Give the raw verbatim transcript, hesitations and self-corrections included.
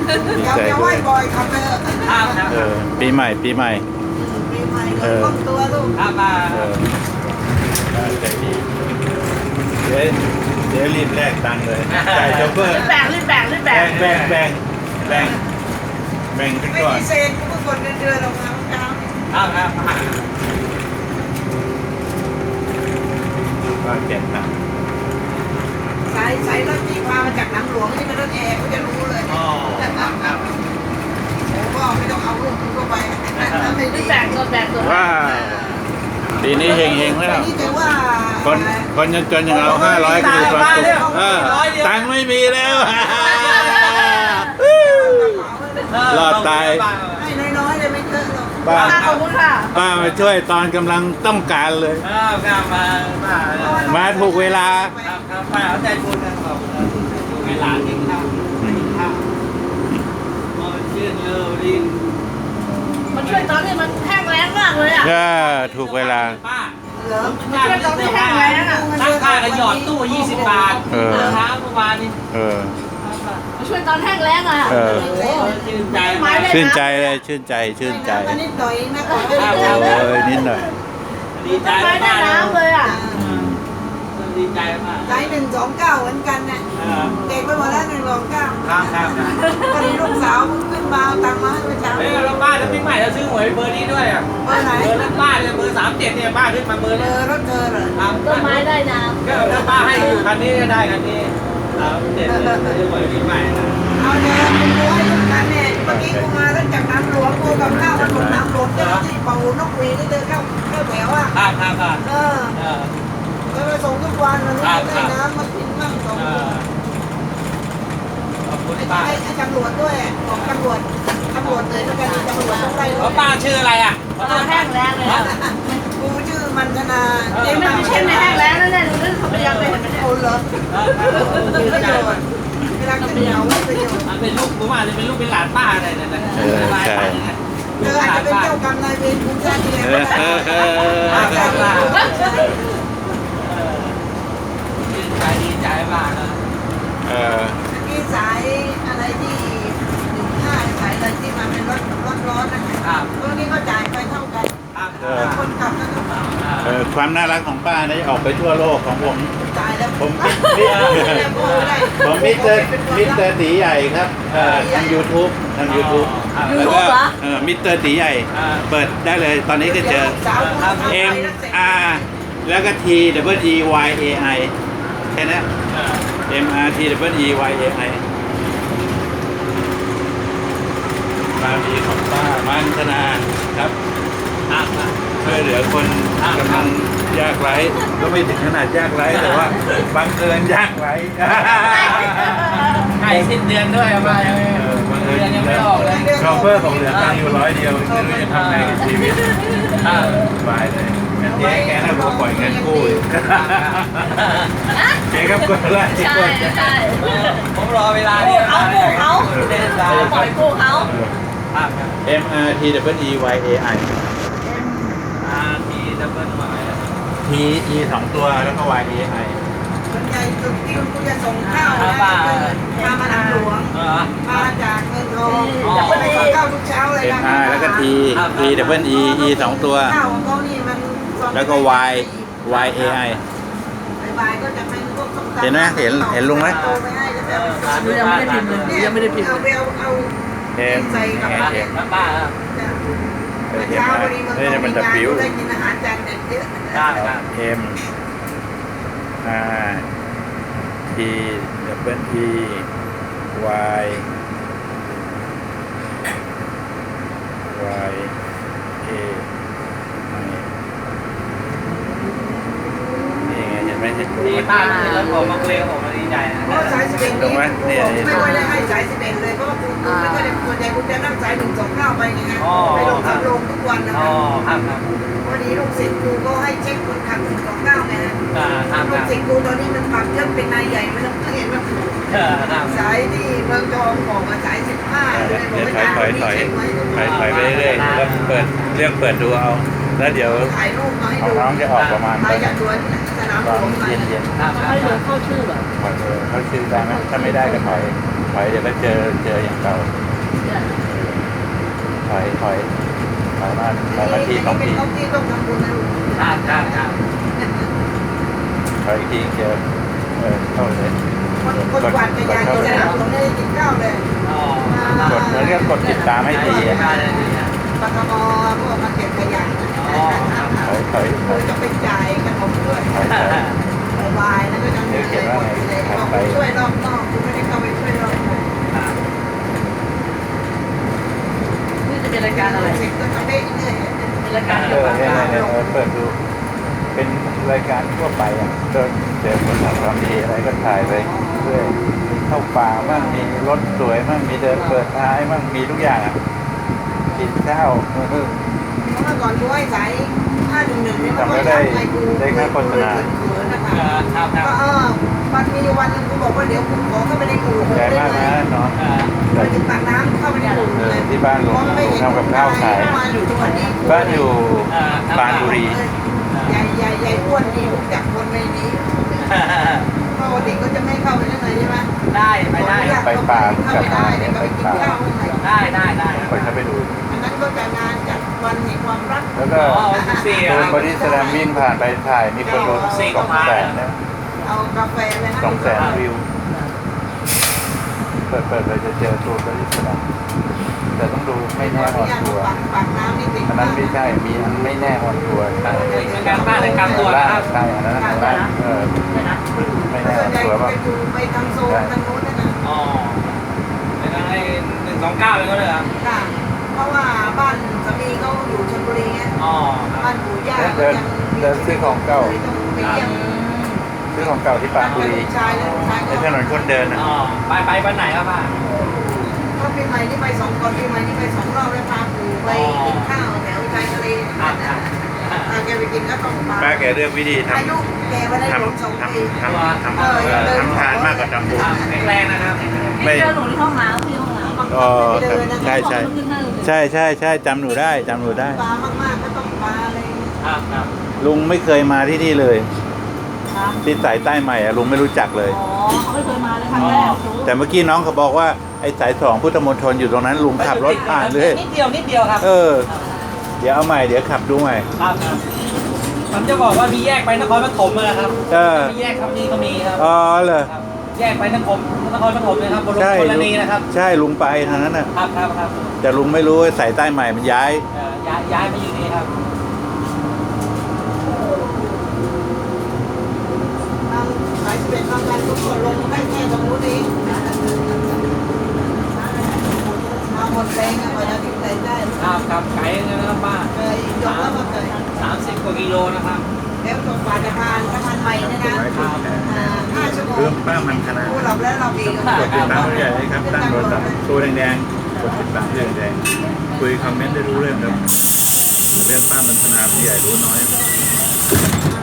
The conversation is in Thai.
เดี๋ยวจะไหว้บ่อยครับเธอครับครับเออปีใหม่ปีใหม่ปีใหม่เลยครอบตัวลูกครับมาเออใจดีเดี๋ยวเดี๋ยวรีบแลกตังค์เลยจ่ายโชเฟอร์แบ่งรีบแบ่งรีบแบ่งแบ่งแบ่งแบ่งแบ่งแบ่งกันไม่ก่อนมีเศษกูก็กดเงินเดือนออกมาเมื่อเช้าครับครับก็เก็บนะสายสายรถที่พามาจากน้ำหลวงที่เป็นรถแอร์กูจะรู้เลยอ๋อครับครับผมก็ไม่ต้องเอาลูกกูก็ไปไม่รีดีบแบ่งตัวแบ่งตัวว้าวปีนี้เฮงเฮงแล้วนี่ถือว่าคนคนจนจนอย่างเราห้าร้อยก็มีความสุขเออตังค์ไม่มีแล้ว รอดตายให้น้อยๆเลยไม่เยอะหรอกป้าขอบคุณค่ะป้ามาช่วยตอนกำลังต้องการเลยครับครับมามามาถูกเวลาครับครับป้าเอาใจบุญกันขอบคุณเวลากินข้าวกินข้าวมองชื่นเลิศดินมันช่วยตอนนี้มันแห้งแล้งมากเลยอ่ะก็ถูกเวลาป้าเหรอมันช่วยตอนที่แห้งแล้งอ่ะตั้งค่ากันหยอดตู้ยี่สิบบาทเออเช้าเมื่อวานนี้เออมันช่วยตอนแห้งแล้งอ่ะเออโอ้โหชื่นใจไม้เลยชื่นใจเลยชื่นใจชื่นใจนิดหน่อยนะขอโอ้ยนิดหน่อยดีใจไม้ได้มากน้ำเลยอ่ะดีใจมากใจหนึ่งสองเก้าเหมือนกันนะเด็กไปหมดแล้วหนึ่งสองเก้าครับครับวันนี้ลูกสาวเพิ่งขึ้นมาเอาตังค์มาให้เมื่อเช้าเฮ้ยเราบ้านแล้วพี่ใหม่เราซื้อหวยเบอร์นี้ด้วยอ่ะเบอร์ไหนเบอร์นั้นบ้านเลยเบอร์สามเจ็ดเนี่ยบ้านขึ้นมาเบอร์เบนี้อร์รถเธอเหรอครับต้นไม้ได้น้ก็ถ้าป้าให้อยู่คันนี้ก็ได้คันนี้สามเจ็ดเลยซื้อหวยพี่ใหม่นะเอาเดี๋ยวคุณดูให้ทุกท่านเนี่ยเมื่อกี้กูมาแล้วจากน้ำหลวงกูกับข้าวมันหมดน้ำหลวงเจ้าที่เป่านกหวีดที่เดินเข้าเข้าแถวอ่ะครับครับครับเออเออแล้วไปส่งทุกวันมันไม่ได้น้ำมากินบ้างสองเอคนอขอบคุณไอ้ป้าไอ้ไอ้ตำรวจด้วยบอกตำรวจตำรวจเลยแล้วกันตำรวจต้องไล่แล้วป้าชื่ออะไรอ่ะำตัวแห้งแล้งเลยอ่ะกูชื่อมันธนาเดี๋ยวมันไม่ใช่ไม่แห้งแล้งนั่นแหละดูนั่นเขาพยายามไปเห็นมันเนี่ยโอนเหรอมีประโยชน์เวลาขึ้นเขาไม่ประโยชน์มันเป็นลูกผมอาจจะเป็นลูกเป็นหลานป้าอะไรเนี่ยนะเออใช่เธออาจจะเป็นเจ้ากรรมนายเวรคุณชาติที่แล้วเอก็อได้เออเออดีใจดีใจมากนะเออมีสายอะไรที่หนึ่งห้าสายอะไรที่มันเป็นรถรถร้อนนะครับ พวกนี้ก็จ่ายไปเท่ากันครับคนขับแล้วก็เออความน่ารักของป้านะออกไปทั่วโลกของผมจ่ายแล้วผมมิผมมิสเตอร์มิสเตอร์ตีใหญ่ครับเอ่อทาง YouTube ทาง YouTube แล้วก็เออมิสเตอร์ตีใหญ่ เปิดได้เลยตอนนี้ก็เจอ M R แล้วก็ T W E Y A I แค่นั้น M R T W E Y A I บารมีของป้ามันธนาครับครับช่วยเหลือคนกำลังยากไร้ก็ไม่ถึงขนาดยากไร้แต่ว่าบังเอิญยากไร้ใกล้สิ้นเดือนด้วยอะป้ายังไม่เออบังเอิญเดือนยังไม่ออกเลยชอเฟอร์ผมเหลือตังค์อยู่ร้อยเดียวไม่รู้จะทำไงกับชีวิตอ่าสบายเลยงั้นเจ๊แกน่าจะปล่อยเงินกู้อีกเจ๊ครับกดไล่ใช่กดใช่ผมรอเวลานี้เขาปลูกเขาเดินสายปล่อยปลูกเขาครับ M R T W E Y A I อ่าที่ดับเบิลหมาย T E สองตัวแล้วก็ Y A I ส่วนใหญ่จุดที่กูจะส่งข้าวนะพามาทางหลวงเออมาจากเมืองทองจะไปส่งข้าวทุกเช้าเลย M R แล้วก็ T T W E E สองตัวข้าวของเขานี่มันแล้วก็ Y Y A I บ่ายๆก็จะเป็นพวกส้มตำเห็นไหมเห็นเห็นลุงไหมโตไปให้จะแบบดูยังไม่ได้พิมพ์เลยยังไม่ได้พิมพ์เอาเลยไปเอาเอา M ใส่กับเห็นผักเห็นแล้วป้าครับเออเห็นไหมเฮ้ยมันจะบิ้วได้กินอาหารจานเด็ดเยอะได้ครับ M R T W E Y Y A I นี่ไงเห็นไหมเห็นตรงนี่ไหมป้าแล้วผมมาคุยกับผมดีใจนะเพราะสายสิบเอ็ดตรงไหมเนี่ยไม่ค่อยได้ให้สายสิบเอ็ดเลยเพราะว่าคุณไม่ค่อยได้ส่วนใหญ่คุณจะนั่งสายหนึ่งสองเก้าไปไงฮะไปลงสำโรงทุกวันนะอ๋คอรับครับครับวันนี้ลูกศิษย์ครูก็ให้เช็คคนขับหนึ่งสองเก้าไงฮะอ่าครับคลูรักบศิษย์ครูตอนนี้มันปรับเยอะเป็นนายใหญ่ไม่ต้องเห็นว่าเออครับสายที่เมืองทองบอกว่าสายสิบห้าเลยเดี๋ยวถอยถอยถอยถอยถอยไปเรื่อยๆแล้วเปิดเรื่องเปิดดูเอา แล้วเดี๋ยวถ่ายรูปมาให้ของดูน้องจะออกประมาณมาตอนจากสวนสนามหตลอนวงมาเย็นครับให้หลวงเข้าชื่อแบบๆถอยเออเขาชื่อได้ไหมถ้าไม่ได้ก็ถอยถอยเดี๋ยวก็เจอเจออย่างเก่าถอยถอยถอยมาถอยมาทีสองเป็นทีของที่ต้องทำบุญนะลูกครับครับครับถอยอีกทีเจอเออเข้าเลยคนคนกวาดจักรยานจะได้ตรงนี้กินข้าวเลยอ๋อกดเหมือนกับกดติดตามให้ดีอะได้ได้ดีนะปกมพวกมาเก็บขยะอ๋อครับคถรับอยถอยถเราอยจะไปจ่ายขนมด้วยถอยถอยบายแล้วก็จะมีเลยหมดเลยบอกไปช่วยรอบนอกคุณไม่ได้เข้าไปช่วยรอบในนี่จะเป็นรายการอะไรเสร็จก็จะได้เรื่อยเป็นรายการเอเกี่ยวอกับเนี่ยการเนี่ยเนี่ยเปิดดูเป็นรายการทั่วไปอ่ะเดินเจอคนทำความดีอะไรก็ถ่ายไปเรื่อยเข้าป่าบ้างมีรถสวยบ้างมีเดินเปิดท้ายบ้างมีทุกอย่างอ่ะกินข้าวเออเมื่อก่อนดูไอ้สายห้าหนึ่งหนึ่งเนี่ยมันก็ทำไปกูนะคะครับคก็รับเออมันมีวันนึงกูบอกว่าเดี๋ยวกูขอเข้าไปในกูใจมากนะเนาะไปถึงปากน้ำเข้าไปในกูเอเลอย ที่บ้านลุงลุงทำกับข้าวขายมาอยู่ทุกวันนี้บ้านอยู่ปรานบุรีใหญ่ใหญ่ใหญ่อ้วนนี่รู้จักคนในนี้เพราะว่าเด็กก็จะไม่เข้าไปข้างในใช่ไหมได้ไปได้ไปป่าเข้าไปได้เด็กก็ไปกินข้าวข้างในได้ได้ได้ไปเข้าไปดูอันนั้นก็จะงานจัดวันแห่งความรักแล้วก็อ๋อสี่โดนบอดี้สแลมวิ่งผ่านไปถ่ายมีคนดูสองแสนนะเอากาแฟเลยนะสองแสนวิวเปิดเปิดเลยจะเจอตัวบอดี้สแลมแต่ต้องดูไม่แน่นอนตัวปากปากน้ำนี่ติดอันนั้นไม่ใช่มีอันไม่แน่นอนตัวเป็นการบ้านในการตัวล่านะครับใช่อันนั้นอันนั้นเออเนี่ยนะไม่แน่นส่อวนนใหญ่ตัวไปว่าดูไปทางโซนทางโน้นนะนะอ๋อเป็นอะไรหนึ่งสองเก้าเลยก็เลยครับค่ะเพราะว่าบ้านสามีเขาอยู่ชลบุรีไงอ๋อคบ้ารับนปู่ย่าเดินเดินซื้อของเก่าต้องไปเยี่ยมซื้อของเก่าที่ปรานบุรีชายและลูกชายในถนนคนเดินนะอ๋อไปไปวันไหนครับป้าก็ปีใหม่นี่ไปสองก่อนปีใหม่นี่ไปสองรอบแล้วพาปู่ไปกินข้าวแถวชายทะเลครับครับพาแกไปกินก็ต้องมาป้าแกเลือกวิธีทอายุแกไม่ได้ำทรวมสองำปีทำทำทำเอ่อทำทานมากกว่าทำบุญแข็งแรงนะครับไม่เจอหนูที่ห้องน้ำที่ห้องน้ำอ๋อครับใช่ใช่ใช่ใช่ใช่จำหนูได้จำหนูได้ปลามากๆก็ต้องปลาอะไรครับครับลุงไม่เคยมาที่นี่เลยครับที่สายใต้ใหม่อะลุงไม่รู้จักเลยอ๋อเขาไม่เคยมาเลยครั้งแรกรู้แต่เมื่อกี้น้องเขาบอกว่าไอ้สายสองพุทธมณฑลอยู่ตรงนั้นลุงขับรถผ่านเลยนิดเดียวนิดเดียวครับเออ เดี๋ยวเอาใหม่เดี๋ยวขับดูใหม่ครับครับผมจะบอกว่ามีแยกไปนครปฐมนะครับเออมีแยกครับนี่ก็มีครับอ๋อเหรอครับแยกไปนครนครปฐมเลยครับบนรถใช่คนละลุงนีนะครับใช่ลุงไปทางนั้นน่ะครับครับครับแต่ลุงไม่รู้ว่าสายใต้ใหม่มันย้ายเอ่อย้ายย้ายมาอยู่นี่ครับทางสายเป็นทางการทุกคนลงได้แค่ตรงนู้นเองมาหมดแรงอะกว่าจะถึงไหนได้ครับครับไกลเลยนะครับป้าเคยยกแล้วมาเคยสามสิบกว่ากิโลนะครับแล้วตรงปาจะพานสะพานใหม่เนี่ยนะอ่าห้าชั่วโมงเรื่องป้ามันคณะผู้หลับแล้วเราดีกันกดติดตามผู้ใหญ่เลยครับตั้งโทรศัพท์ตัวแดงๆกดติดตามเรื่องแดงคุยคอมเมนต์ได้รู้เรื่องครับเรื่องป้ามันธนาผู้ใหญ่รู้น้อยอ่า